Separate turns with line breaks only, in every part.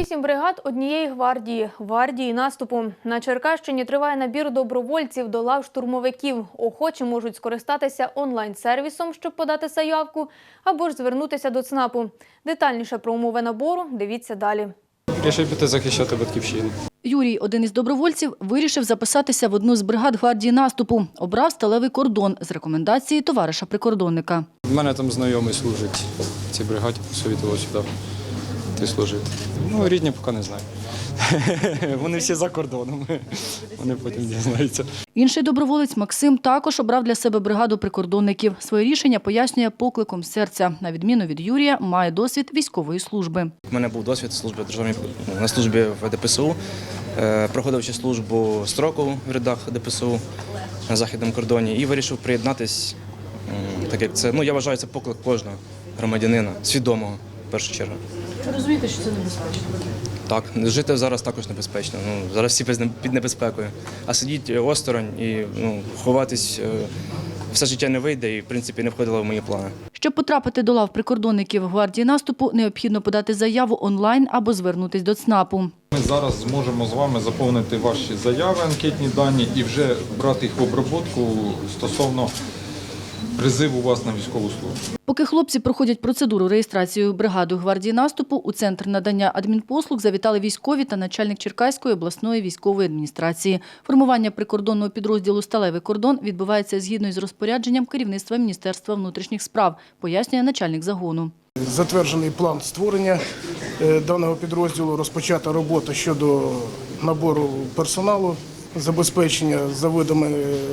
108 бригад однієї гвардії наступу. На Черкащині триває набір добровольців до лав штурмовиків. Охочі можуть скористатися онлайн-сервісом, щоб подати заявку, або ж звернутися до ЦНАПу. Детальніше про умови набору дивіться далі.
Рішив піти захищати батьківщину.
Юрій, один із добровольців, вирішив записатися в одну з бригад гвардії наступу. Обрав сталевий кордон з рекомендації товариша-прикордонника.
У мене там знайомий служить в цій бригаді, посовітував сюди йти служити. Ну, рідні поки не знаю. Вони всі за кордоном, вони потім дізнаються.
Інший доброволець Максим також обрав для себе бригаду прикордонників. Своє рішення пояснює покликом серця. На відміну від Юрія, має досвід військової служби.
У мене був досвід на службі в ДПСУ, проходивши службу строкову в рядах ДПСУ на західному кордоні і вирішив приєднатись, так як це, я вважаю, це поклик кожного громадянина, свідомого в першу чергу.
Ви розумієте, що це небезпечно?
Так, жити зараз також небезпечно. Зараз всі під небезпекою. А сидіти осторонь і ховатись все життя не вийде і, в принципі, не входило в мої плани.
Щоб потрапити до лав прикордонників гвардії наступу, необхідно подати заяву онлайн або звернутися до ЦНАПу.
Ми зараз зможемо з вами заповнити ваші заяви, анкетні дані і вже брати їх в обробку стосовно призиву вас на військову службу.
Поки хлопці проходять процедуру реєстрації в бригаду гвардії наступу, у Центр надання адмінпослуг завітали військові та начальник Черкаської обласної військової адміністрації. Формування прикордонного підрозділу «Сталевий кордон» відбувається згідно із розпорядженням керівництва Міністерства внутрішніх справ, пояснює начальник загону.
Затверджений план створення даного підрозділу, розпочата робота щодо набору персоналу, забезпечення за видами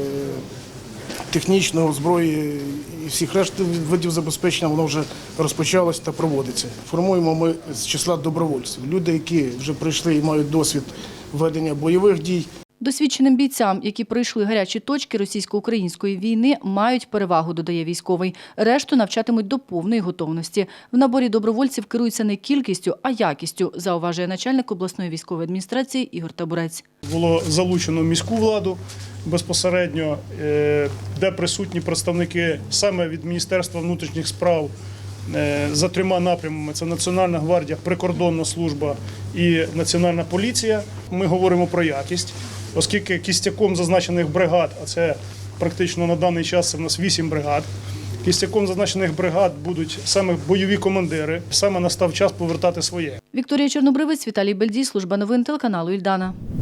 технічного, зброї і всіх решт видів забезпечення, воно вже розпочалось та проводиться. Формуємо ми з числа добровольців. Люди, які вже прийшли і мають досвід ведення бойових дій.
Досвідченим бійцям, які пройшли гарячі точки російсько-української війни, мають перевагу, додає військовий. Решту навчатимуть до повної готовності. В наборі добровольців керуються не кількістю, а якістю, зауважує начальник обласної військової адміністрації Ігор Табурець.
Було залучено міську владу безпосередньо, де присутні представники саме від Міністерства внутрішніх справ за трьома напрямами – це Національна гвардія, прикордонна служба і Національна поліція. Ми говоримо про якість, оскільки кістяком зазначених бригад, а це практично на даний час у нас 8 бригад, кістяком зазначених бригад будуть саме бойові командири, саме настав час повертати своє.
Вікторія Чорнобривець, Віталій Бельдій, служба новин телеканалу «Ільдана».